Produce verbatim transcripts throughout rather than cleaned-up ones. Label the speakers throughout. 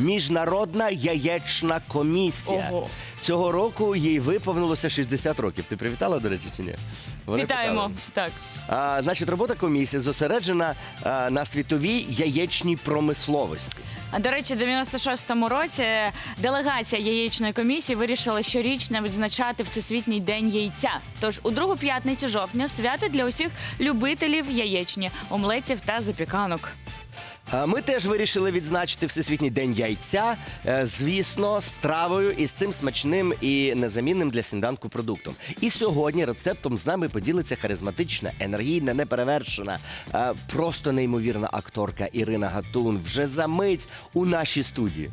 Speaker 1: Міжнародна яєчна комісія.
Speaker 2: Ого.
Speaker 1: Цього року їй виповнилося шістдесят років. Ти привітала, до речі, чи ні? Вони
Speaker 2: Вітаємо.
Speaker 1: питали.
Speaker 2: Так.
Speaker 1: А, значить, робота комісії зосереджена а, на світовій яєчній промисловості.
Speaker 2: А, до речі, в дев'яносто шостому році делегація яєчної комісії вирішила щорічно відзначати Всесвітній день яйця. Тож у другу п'ятницю жовтня свято для усіх любителів яєчні, омлетів та запіканок.
Speaker 1: А Ми теж вирішили відзначити Всесвітній день яйця, е, звісно, стравою із цим смачним і незамінним для сніданку продуктом. І сьогодні рецептом з нами поділиться харизматична, енергійна, неперевершена, е, просто неймовірна акторка Ірина Гатун. Вже за мить у нашій студії.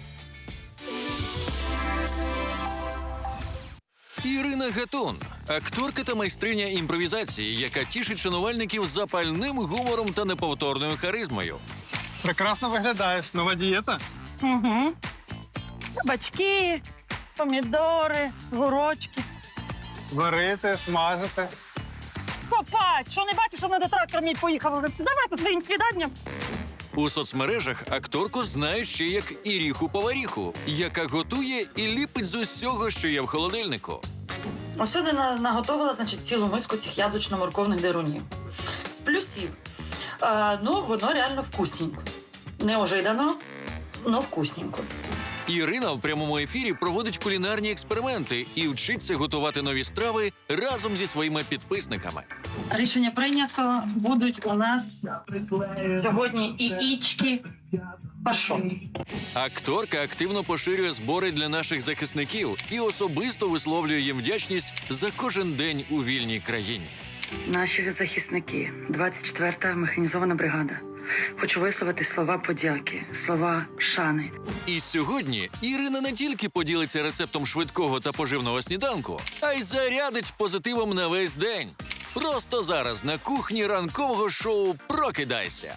Speaker 3: Ірина Гатун – акторка та майстриня імпровізації, яка тішить шанувальників запальним гумором та неповторною харизмою.
Speaker 4: Прекрасно виглядаєш. Нова дієта.
Speaker 5: Угу. Кабачки, помідори, горочки.
Speaker 4: Варити, смажити.
Speaker 5: Папа, що не бачиш, що мене трактор мій поїхав вже все. Давайте своїм свіданням.
Speaker 3: У соцмережах акторку знають ще як Іріху-поваріху, яка готує і ліпить з усього, що є в холодильнику.
Speaker 6: Ось сюди на- наготовила, значить, цілу миску цих яблучно-морковних дерунів. З плюсів. А, ну, воно реально вкусненько. Не ожидано, но вкусненько.
Speaker 3: Ірина в прямому ефірі проводить кулінарні експерименти і вчиться готувати нові страви разом зі своїми підписниками.
Speaker 6: Рішення прийнято. Будуть у нас сьогодні яєчки пашот.
Speaker 3: Акторка активно поширює збори для наших захисників і особисто висловлює їм вдячність за кожен день у вільній країні.
Speaker 6: Наші захисники, двадцять четверта механізована бригада. Хочу висловити слова подяки, слова шани.
Speaker 3: І сьогодні Ірина не тільки поділиться рецептом швидкого та поживного сніданку, а й зарядить позитивом на весь день. Просто зараз на кухні ранкового шоу «Прокидайся».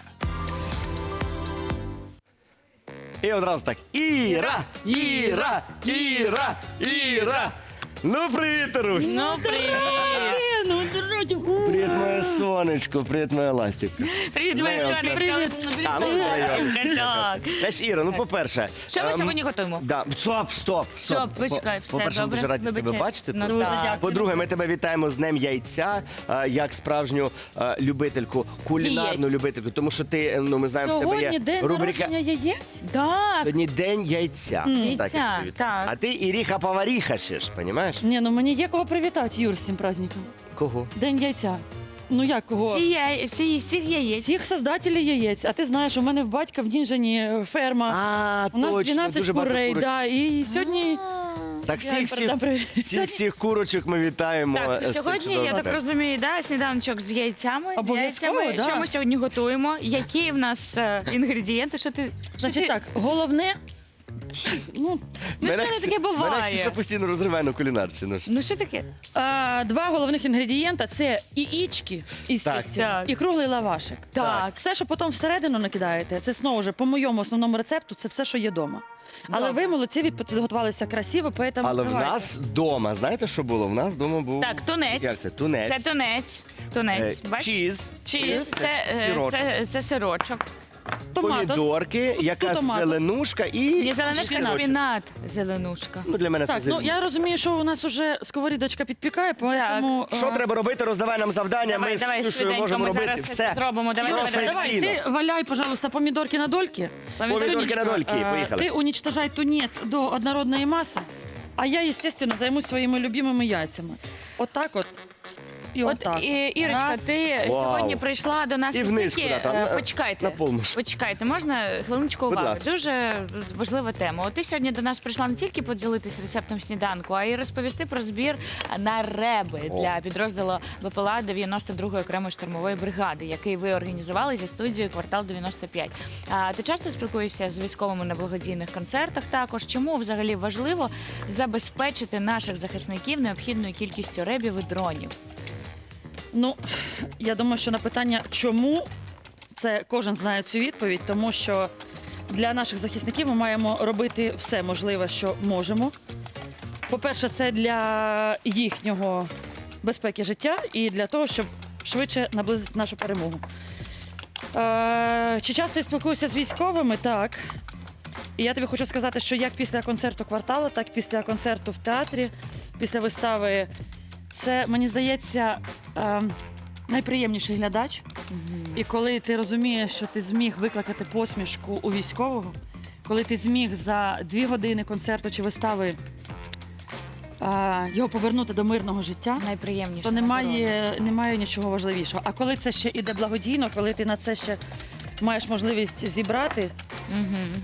Speaker 1: І одразу так. Іра! Іра! Іра! Іра! Ну, привіт, Русь!
Speaker 2: Ну, привіт!
Speaker 5: Ну, дороді.
Speaker 1: Привіт, моє сонечко, привіт, моя ластівка.
Speaker 2: Привіт, моя
Speaker 1: Знайомся.
Speaker 2: сонечка.
Speaker 1: А, ну, знайомся.
Speaker 2: Так.
Speaker 1: Знаєш, Іра, ну, по-перше...
Speaker 2: Що ми
Speaker 1: ем,
Speaker 2: сьогодні готуємо?
Speaker 1: Да. Стоп, стоп, стоп.
Speaker 2: Стоп, почекай, все
Speaker 1: По-перше, ми
Speaker 2: добре.
Speaker 1: дуже раді тебе
Speaker 2: Вибачай.
Speaker 1: бачити.
Speaker 2: Ну,
Speaker 1: тут.
Speaker 2: так.
Speaker 5: Дуже дякую.
Speaker 1: По-друге, ми тебе вітаємо з Днем яйця, е, як справжню е, любительку, кулінарну
Speaker 2: Яєць.
Speaker 1: любительку, тому що ти, ну, ми знаємо, в тебе
Speaker 5: Сьогодні
Speaker 1: є
Speaker 5: день
Speaker 1: рубрика
Speaker 5: народження яєць.
Speaker 2: Так.
Speaker 1: «Сьогодні День яйця».
Speaker 2: Яйця,
Speaker 1: Так, як привіт.
Speaker 2: так.
Speaker 1: А ти Іріха-поваріха ще ж, понімаєш?
Speaker 5: Ні, ну мені є кого привітати, Юр, з цим праздником.
Speaker 1: Кого?
Speaker 5: День яйця. Ну як кого?
Speaker 2: Всі, яй... всі, всіх яєць.
Speaker 5: Всіх создателів яєць. А ти знаєш, у мене в батька в Дінжані ферма.
Speaker 1: А,
Speaker 5: У нас
Speaker 1: точно,
Speaker 5: дванадцять
Speaker 1: дуже багато
Speaker 5: курей,
Speaker 1: курочок.
Speaker 5: да, і сьогодні
Speaker 1: Так
Speaker 5: я
Speaker 1: всіх, всіх,
Speaker 5: передам привіт.
Speaker 1: всіх, всіх курочок ми вітаємо.
Speaker 2: Так,
Speaker 1: е, з цим
Speaker 2: сьогодні, я
Speaker 1: чудовим
Speaker 2: так
Speaker 1: святом.
Speaker 2: розумію, да, сніданочок з яйцями. З
Speaker 5: Обов'язково,
Speaker 2: яйцями.
Speaker 5: да.
Speaker 2: Що ми сьогодні готуємо? Які в нас е, інгредієнти? Що ти... що
Speaker 5: Значить
Speaker 2: ти-
Speaker 5: так, головне, ну,
Speaker 2: Ну, що
Speaker 1: Мене
Speaker 2: не
Speaker 1: Ксі-
Speaker 2: таке
Speaker 1: Мене
Speaker 2: буває?
Speaker 1: Ксюша постійно розриває на кулінарці. Ну, ж.
Speaker 2: Ну, що таке?
Speaker 5: а, два головних інгредієнта це яєчки, естественно,
Speaker 2: Так.
Speaker 5: і круглий лавашик.
Speaker 2: Так.
Speaker 5: Все, що потім всередину накидаєте, це знову ж по моєму основному рецепту, це все, що є вдома. Але
Speaker 2: Добре.
Speaker 5: ви молодці, ви підготувалися красиво, поэтому
Speaker 1: Але в
Speaker 5: давайте.
Speaker 1: нас вдома, знаєте, що було? В нас вдома був...
Speaker 2: Так, тунець.
Speaker 1: Як це? Тунець.
Speaker 2: Це тунець. Тунець.
Speaker 1: Е,
Speaker 2: Бачиш?
Speaker 1: Чіз.
Speaker 2: Чіз. Це, е,
Speaker 1: сирочок.
Speaker 2: це, це сирочок.
Speaker 5: Томатос.
Speaker 1: Помідорки, якась
Speaker 5: томатос.
Speaker 1: зеленушка і...
Speaker 2: Ні, зеленушка,
Speaker 1: чесночок.
Speaker 2: шпінат. Зеленушка.
Speaker 1: Ну, для мене
Speaker 5: Так,
Speaker 1: це
Speaker 5: ну
Speaker 1: зеленушка.
Speaker 5: я розумію, що у нас уже сковорідочка підпікає, поэтому...
Speaker 1: Що
Speaker 5: е,
Speaker 1: треба робити? Роздавай нам завдання.
Speaker 2: Давай,
Speaker 1: ми з
Speaker 2: давай,
Speaker 1: Ксюшею
Speaker 2: швиденько,
Speaker 1: можемо
Speaker 2: ми
Speaker 1: робити
Speaker 2: зараз
Speaker 1: все.
Speaker 2: це зробимо. Давай, давай,
Speaker 1: Професійно.
Speaker 2: давай.
Speaker 5: Давай, ти валяй, пожалуйста, помідорки на дольки.
Speaker 1: Помідорки на дольки,
Speaker 5: Е,
Speaker 1: поїхали.
Speaker 5: Ти уничтожай тунець до однородної маси, а я, естественно, займусь своїми любимими яйцями. Отак от. І
Speaker 2: От,
Speaker 5: отак.
Speaker 2: і, Ірочка,
Speaker 5: Раз.
Speaker 2: ти
Speaker 1: Вау.
Speaker 2: сьогодні прийшла до нас
Speaker 1: І
Speaker 2: не
Speaker 1: вниз
Speaker 2: тільки,
Speaker 1: куди там,
Speaker 2: е,
Speaker 1: на-
Speaker 2: почекайте,
Speaker 1: на полночь.
Speaker 2: почекайте, можна хвилиночку
Speaker 1: Будь
Speaker 2: уваги?
Speaker 1: ласка.
Speaker 2: Дуже важлива тема. От ти сьогодні до нас прийшла не тільки поділитись рецептом сніданку, а й розповісти про збір на реби
Speaker 1: О.
Speaker 2: для підрозділу БПЛА дев'яносто другої окремої штурмової бригади, який ви організували зі студією «Квартал дев'яносто п'ять». А ти часто спілкуєшся з військовими на благодійних концертах також? Чому взагалі важливо забезпечити наших захисників необхідною кількістю ребів і дронів?
Speaker 5: Ну, я думаю, що на питання «чому?» це кожен знає цю відповідь, тому що для наших захисників ми маємо робити все можливе, що можемо. По-перше, це для їхнього безпеки життя і для того, щоб швидше наблизити нашу перемогу. Е, чи часто я спілкуюся з військовими? Так. І я тобі хочу сказати, що як після концерту кварталу, так і після концерту в театрі, після вистави, це, мені здається, е, найприємніший глядач. І коли ти розумієш, що ти зміг викликати посмішку у військового, коли ти зміг за дві години концерту чи вистави е, його повернути до мирного життя,
Speaker 2: Найприємніше.
Speaker 5: то немає, немає нічого важливішого. А коли це ще іде благодійно, коли ти на це ще маєш можливість зібрати,
Speaker 2: Угу.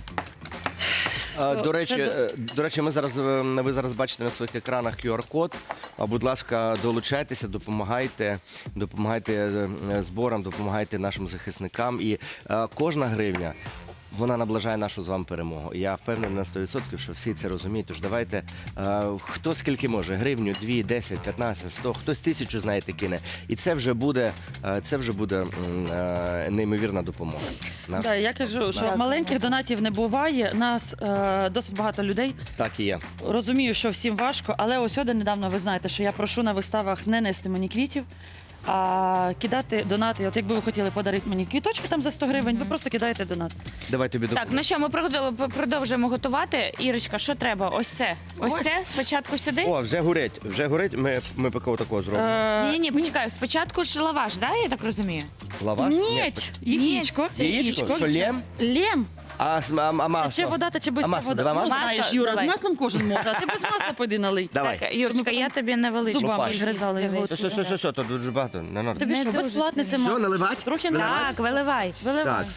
Speaker 1: А,
Speaker 5: О,
Speaker 1: До речі,
Speaker 5: це
Speaker 1: е, до речі, ми зараз е, ви зараз бачите на своїх екранах кю ар-код. А, Будь ласка, долучайтеся, допомагайте, допомагайте е, е, зборам, допомагайте нашим захисникам. І е, кожна гривня. Вона наближає нашу з вами перемогу. І я впевнений на сто відсотків, що всі це розуміють. Тож давайте, е, хто скільки може, гривню, дві, десять, п'ятнадцять, сто, хтось тисячу, знаєте, кине. І це вже буде, е, це вже буде м, е, неймовірна допомога. Наш-
Speaker 5: да, я кажу, що
Speaker 2: Дякую.
Speaker 5: маленьких донатів не буває. Нас е, досить багато людей.
Speaker 1: Так і є.
Speaker 5: Розумію, що всім важко, але ось сьогодні недавно ви знаєте, що я прошу на виставах не нести мені квітів, а кидати донати. От якби ви хотіли подарити мені квіточки там за сто гривень, ви просто кидаєте донат.
Speaker 1: Давай тобі
Speaker 2: Так,
Speaker 1: допоможу.
Speaker 2: ну що, ми продов- продовжуємо готувати. Ірочка, що треба? Ось це. Ось
Speaker 5: Ой.
Speaker 2: це. Спочатку сюди.
Speaker 1: О, вже горить, вже горить. Ми, ми поки такого зробимо.
Speaker 5: Е,
Speaker 2: Ні, ні, почекай. Спочатку ж лаваш, да, я так розумію?
Speaker 1: Лаваш?
Speaker 5: Ні, яєчко.
Speaker 1: Яєчко? Що, лєм?
Speaker 5: Лєм.
Speaker 1: А, с- а, а масло?
Speaker 5: Тече вода, тече
Speaker 1: А
Speaker 5: бистра
Speaker 1: масло?
Speaker 5: вода.
Speaker 1: Давай
Speaker 5: Ну,
Speaker 1: масло?
Speaker 5: знаєш,
Speaker 2: Масло,
Speaker 5: Юра,
Speaker 2: давай.
Speaker 5: з маслом кожен може, а ти без масла пойди налий.
Speaker 1: Давай.
Speaker 2: Так, Юрочка, я тобі не величу.
Speaker 5: Зубами
Speaker 1: Лопаш.
Speaker 5: відгризали його.
Speaker 1: Все, все, все, все, тут дуже багато. Не надо.
Speaker 5: Тобі
Speaker 2: Не
Speaker 5: що,
Speaker 2: дуже
Speaker 5: безплатне це
Speaker 2: сильно.
Speaker 5: масло?
Speaker 1: Все, наливати?
Speaker 5: Трохи
Speaker 1: Виливати?
Speaker 5: наливати.
Speaker 2: Так, виливай.
Speaker 5: Виливай.
Speaker 1: Так.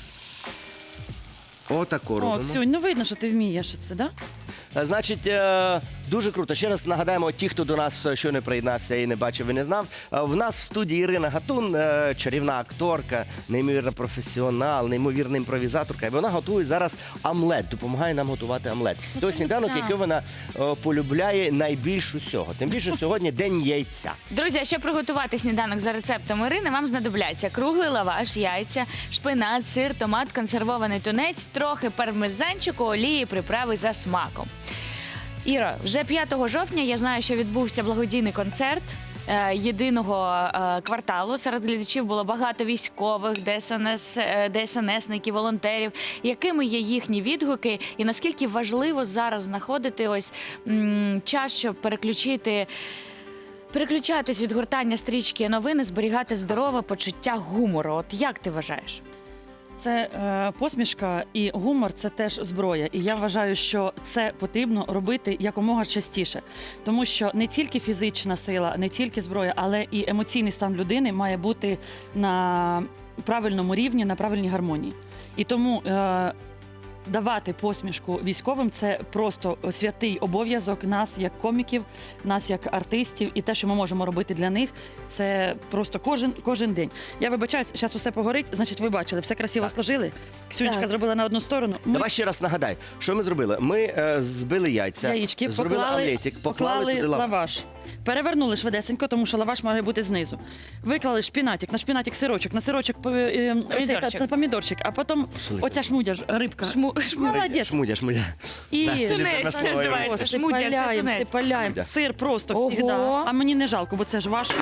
Speaker 1: Отако
Speaker 5: О,
Speaker 1: робимо.
Speaker 5: Ксюнь, ну видно, що ти вмієш це, да?
Speaker 1: Е, Значить, е, дуже круто. Ще раз нагадаємо, ті, хто до нас е, щойно приєднався і не бачив і не знав. е, В нас в студії Ірина Гатун, е, чарівна акторка, неймовірна професіонал, неймовірна імпровізаторка. І вона готує зараз омлет, допомагає нам готувати омлет. Той сніданок,
Speaker 5: так.
Speaker 1: який вона е, полюбляє найбільш усього. Тим більше сьогодні день яйця.
Speaker 2: Друзі, а щоб приготувати сніданок за рецептом Ірини, вам знадобляться круглий лаваш, яйця, шпинат, сир, томат, консервований тунець, трохи пармезанчику, олії, приправи за смаком. Іро, вже п'ятого жовтня я знаю, що відбувся благодійний концерт е, єдиного е, кварталу. Серед глядачів було багато військових, ДСНС, е, ДСНСників, волонтерів. Якими є їхні відгуки і наскільки важливо зараз знаходити ось м, час, щоб переключити переключатись від гортання стрічки новини, зберігати здорове почуття гумору? От як ти вважаєш?
Speaker 5: Це е, посмішка і гумор це теж зброя. І я вважаю, що це потрібно робити якомога частіше. Тому що не тільки фізична сила, не тільки зброя, але і емоційний стан людини має бути на правильному рівні, на правильній гармонії. І тому е, давати посмішку військовим це просто святий обов'язок нас як коміків, нас як артистів, і те, що ми можемо робити для них, це просто кожен, кожен день. Я вибачаюсь, зараз усе погорить, значить, ви бачили, все красиво сложили. Ксюнечка
Speaker 2: Так.
Speaker 5: зробила на одну сторону. Ми
Speaker 1: Давай ще раз нагадай, що ми зробили? Ми е, збили яйця,
Speaker 5: яєчки
Speaker 1: зробили
Speaker 5: поклали,
Speaker 1: омлетик, поклали,
Speaker 5: поклали
Speaker 1: туди лаваш.
Speaker 5: лаваш. Перевернули швидесенько, тому що лаваш має бути знизу. Виклали шпінатик, на шпінатик сирочок, на сирочок по- е, оцей та-
Speaker 2: Помідорчик.
Speaker 5: та помідорчик, а потім
Speaker 1: Слухай.
Speaker 5: оця шмудя ж, рибка.
Speaker 2: Шму, шму.
Speaker 5: Молодець.
Speaker 1: Шмудя, шмудя.
Speaker 5: І
Speaker 1: Да, це
Speaker 2: Тунець
Speaker 1: любиме слово.
Speaker 2: називається. Шмудя, це
Speaker 5: сипаляємо,
Speaker 2: тунець.
Speaker 5: сипаляємо.
Speaker 1: Шмудя.
Speaker 5: Сир просто
Speaker 2: Ого.
Speaker 5: завжди. А мені не жалко, бо це ж ваше.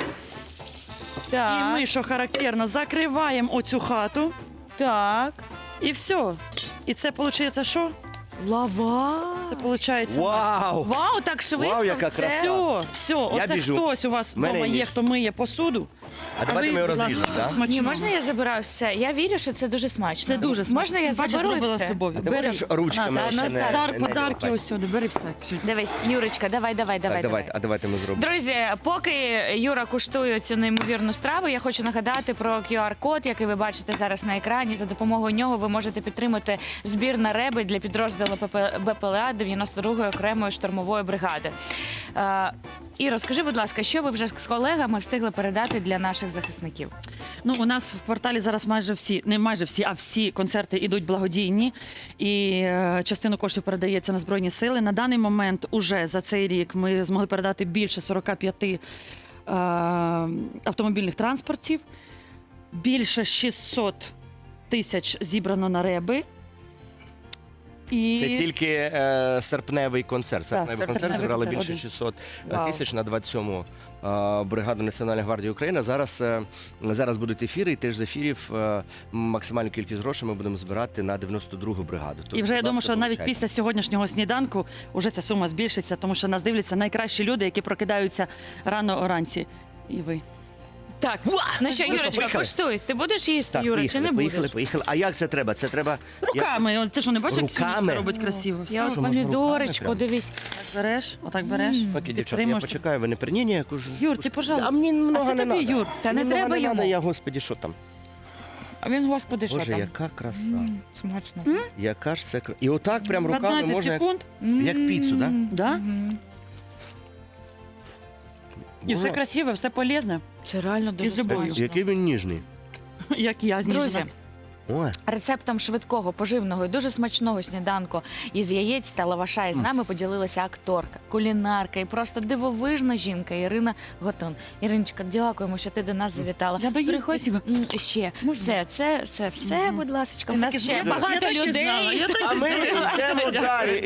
Speaker 5: І
Speaker 2: Так,
Speaker 5: ми, що характерно, закриваємо оцю хату,
Speaker 2: так.
Speaker 5: і все. І це виходить що?
Speaker 2: Лава.
Speaker 5: Це виходить...
Speaker 1: Вау!
Speaker 2: Вау, так швидко
Speaker 1: Вау, яка
Speaker 2: все.
Speaker 1: краса.
Speaker 5: Все, все, оце
Speaker 1: біжу.
Speaker 5: хтось у вас
Speaker 1: В мене
Speaker 5: вдома
Speaker 1: ніж.
Speaker 5: є, хто миє посуду.
Speaker 1: А давайте
Speaker 5: ви,
Speaker 1: ми його
Speaker 5: будь ласка,
Speaker 1: розріжемо, так?
Speaker 5: смачного.
Speaker 2: Ні, можна я забираю все? Я вірю, що це дуже смачно.
Speaker 5: Це дуже смачно.
Speaker 2: Можна я
Speaker 5: Бачиш,
Speaker 2: заберу і
Speaker 5: зробила
Speaker 2: все?
Speaker 5: з любов'ю.
Speaker 1: А ти
Speaker 5: Бери.
Speaker 1: можеш ручками
Speaker 5: На,
Speaker 1: ще
Speaker 2: ну,
Speaker 1: не,
Speaker 2: так.
Speaker 5: Дар,
Speaker 1: не
Speaker 5: подарки
Speaker 1: вилипати?
Speaker 5: ось сюди, бери все. Ксюнь.
Speaker 2: Дивись, Юрочка, давай, давай, давай,
Speaker 1: Так,
Speaker 2: давай.
Speaker 1: давайте, а давайте ми зробимо.
Speaker 2: Друзі, поки Юра куштує цю неймовірну страву, я хочу нагадати про кю ар-код, який ви бачите зараз на екрані. За допомогою нього ви можете підтримати збір на реби для підрозділу Б П Л А дев'яносто другої окремої штурмової бригади. Е, Іро, скажи, будь ласка, що ви вже з колегами встигли передати для наших захисників?
Speaker 5: Ну, у нас в кварталі зараз майже всі, не майже всі, а всі концерти йдуть благодійні. І е, частину коштів передається на Збройні Сили. На даний момент уже за цей рік ми змогли передати більше сорок п'ять е, автомобільних транспортів. Більше шістсот тисяч зібрано на реби. І
Speaker 1: Це тільки е, серпневий концерт. Серпневий концерт
Speaker 5: серпневий
Speaker 1: зібрали
Speaker 5: концерт
Speaker 1: більше
Speaker 5: один.
Speaker 1: шістсот
Speaker 2: Вау.
Speaker 1: тисяч на двадцять сьому е, бригаду Національної гвардії України. Зараз, е, зараз будуть ефіри, і теж з ефірів е, максимальну кількість грошей ми будемо збирати на дев'яносто другу бригаду. Тобто,
Speaker 5: І вже я
Speaker 1: будь
Speaker 5: думаю,
Speaker 1: ласка,
Speaker 5: що навіть
Speaker 1: долучайтесь.
Speaker 5: після сьогоднішнього сніданку вже ця сума збільшиться, тому що нас дивляться найкращі люди, які прокидаються рано уранці. І ви.
Speaker 2: Так, ну що,
Speaker 1: Ну що,
Speaker 2: Юрочка,
Speaker 1: поїхали?
Speaker 2: коштуй. Ти будеш їсти,
Speaker 1: Так,
Speaker 2: Юра,
Speaker 1: поїхали,
Speaker 2: чи не
Speaker 1: поїхали,
Speaker 2: будеш?
Speaker 1: поїхали. А як це треба? Це треба
Speaker 5: Руками, От ти що, не бачиш, як
Speaker 1: Руками?
Speaker 5: Сонечка робить красиво? Все.
Speaker 2: Я от
Speaker 1: що, можна руками
Speaker 2: помідорочку,
Speaker 1: прямо?
Speaker 2: дивись.
Speaker 5: Так береш, отак береш.
Speaker 2: М.
Speaker 1: Окей, дівчата, я
Speaker 5: підтримуєшся.
Speaker 1: почекаю, ви не при ні, ніяку ж.
Speaker 5: Юр, ти, пожалуйста.
Speaker 1: А мені много
Speaker 5: А це
Speaker 1: не
Speaker 5: тобі,
Speaker 1: надо.
Speaker 5: Юр.
Speaker 2: Та не
Speaker 1: Мені
Speaker 2: треба
Speaker 1: много
Speaker 2: йому.
Speaker 1: надо, я, господі, що там?
Speaker 2: А він, господи, що
Speaker 1: Боже,
Speaker 2: там?
Speaker 1: яка краса.
Speaker 2: М, Смачно.
Speaker 1: Яка ж це кра... І отак прям руками
Speaker 5: п'ятнадцять
Speaker 1: можна... як-
Speaker 5: секунд,
Speaker 1: як піцу, да?
Speaker 5: да?
Speaker 2: Мгм.
Speaker 5: І все
Speaker 1: Боже,
Speaker 5: красиве, все полезне,
Speaker 2: Це реально дуже
Speaker 5: Із любов'ю.
Speaker 2: смачно.
Speaker 1: який він ніжний.
Speaker 5: як я зніжена.
Speaker 2: Друзі,
Speaker 1: Ой.
Speaker 2: рецептом швидкого, поживного і дуже смачного сніданку із яєць та лаваша із нами поділилася акторка, кулінарка і просто дивовижна жінка Ірина Готун. Іриночка, дякуємо, що ти до нас завітала.
Speaker 5: Я доїм,
Speaker 2: Приходь
Speaker 5: спасибо.
Speaker 2: м, ще.
Speaker 5: Можна?
Speaker 2: Все, це, це все,
Speaker 5: Мгм.
Speaker 2: будь ласка. У
Speaker 5: Я
Speaker 2: нас
Speaker 5: так і
Speaker 2: ще
Speaker 5: знала.
Speaker 2: багато
Speaker 5: Я так і
Speaker 2: людей.
Speaker 5: знала. Я так і
Speaker 1: А ми йдемо далі.